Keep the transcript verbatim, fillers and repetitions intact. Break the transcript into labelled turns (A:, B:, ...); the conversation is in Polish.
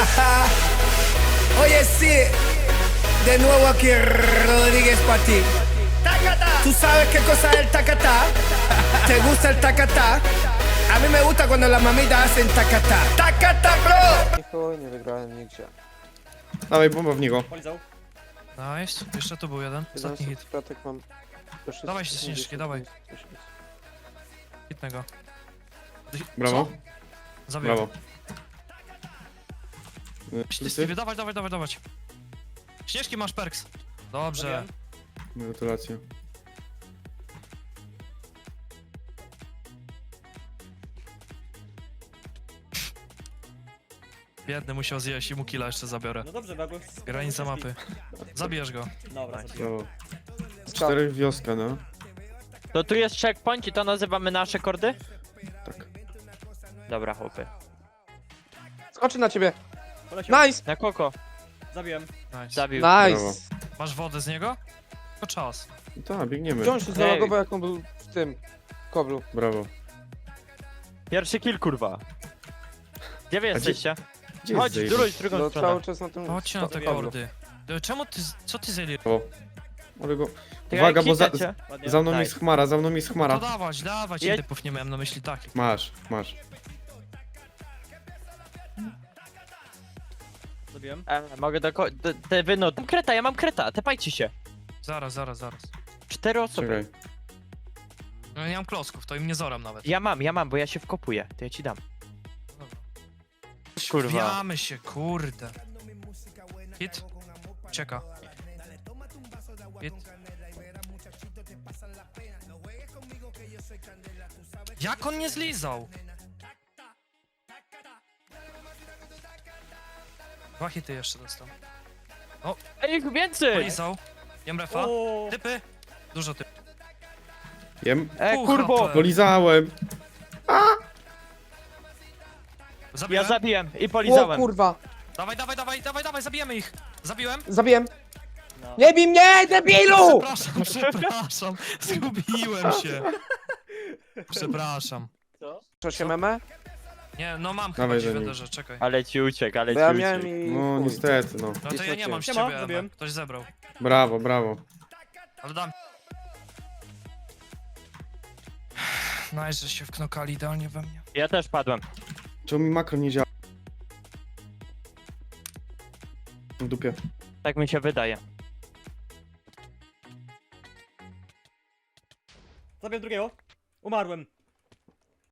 A: Oye, sí, de nuevo aquí Rodríguez para ti. ¿Tú sabes qué cosa es el tacatá? ¿Te gusta el tacatá? A mí me gusta cuando las mamitas hacen tacatá. ¡Tacatá, bro!
B: Chuj, nie wygrałem nigdzie.
C: Dawaj, bomba w niego.
D: Polizał.
E: Nice, jeszcze tu był jeden, ostatni hit.
B: Kratek mam.
E: Dawaj się, śnieżki, dawaj. Hitnego.
C: Brawo,
E: Co? Zabiłem.
C: brawo. Y,
E: Ty, Stevie, dawaj, dawaj, dawaj, dawaj. Śnieżki masz perks. Dobrze.
D: Zabiłem.
C: Gratulacje.
E: Biedny musiał zjeść i mu killa jeszcze zabiorę.
D: No dobrze, Bagus.
E: Granica mapy. Zabierz go.
D: Dobra, zabiję.
C: Brawo. Cztery wioska, no.
F: To tu jest checkpoint i to nazywamy nasze kordy?
C: Tak.
F: Dobra, chłopy.
B: Skoczy na ciebie!
D: Poleciał.
B: Nice!
F: Na koko.
D: Zabiłem.
E: Nice.
F: Zabił.
B: Nice!
E: Masz wodę z niego? To czas.
C: Tak, biegniemy.
B: Wziął się
F: Ej.
B: zalogował jak on był w tym koblu.
C: Brawo.
F: Pierwszy kill, kurwa. Gdzie wy jesteście?
C: Gdzie
F: Chodź,
C: jest
F: w drugą,
C: Zaid?
F: w drugą
B: No
F: stronę.
B: cały czas na tym...
E: Chodźcie na te
B: koblu.
E: kordy. E, Czemu ty, co ty zjeli?
C: O. Ale go...
F: Ty,
C: Uwaga, bo za,
F: hita cię.
D: Ładnie.
C: za mną
F: Daj.
C: jest chmara, za mną jest
E: To
C: chmara.
E: dawać, dawać,
F: Jedź.
E: typów nie miałem na myśli takich.
C: Masz, masz.
D: Zabiłem.
F: E, mogę do, ko- do te wy no. Mam kreta, ja mam kreta, tepajcie się.
E: Zaraz, zaraz, zaraz.
F: Cztery osoby.
C: Czekaj.
E: No nie mam klocków, to im nie zoram nawet.
F: Ja mam, ja mam, bo ja się wkopuję. To ja ci dam.
E: Dobra.
F: Kurwa.
E: Wbijamy się, kurde. Hit. Ucieka. Hit. Jak on nie zlizał? Dwa hity jeszcze dostał.
F: Ej, ich więcej!
E: Polizał. Jem refa.
D: O,
E: Typy. Dużo typów.
C: Jem.
F: E,
E: Pół
F: kurbo!
E: H P.
C: Polizałem.
F: Ja
E: Zabiłem?
F: zabiłem i
B: O
F: polizałem.
B: kurwa!
E: Dawaj, dawaj, dawaj, dawaj, dawaj, zabijemy ich. Zabiłem?
B: Zabiłem!
D: no.
B: Nie bij mnie, debilu!
E: Przepraszam, przepraszam. Zgubiłem się. Przepraszam.
B: Co się meme?
E: Nie, no mam chyba
C: Dawaj
E: gdzieś
C: za
E: w
C: nim.
E: Ederze, czekaj.
F: Ale ci uciekł, ale
B: Bo
F: ci
B: ja
F: uciekł.
B: miałem i...
C: No
B: chuj.
C: niestety, no.
E: No to ja nie mam z
D: Siema,
E: ciebie,
D: zabiłem.
E: Ema. Ktoś zebrał.
C: Brawo, brawo.
E: Ale dam. Nice, że się wknokali idealnie we mnie.
F: Ja też padłem.
C: Czemu mi makro nie działa? W dupie.
F: Tak mi się wydaje.
D: Zabiłem drugiego. Umarłem.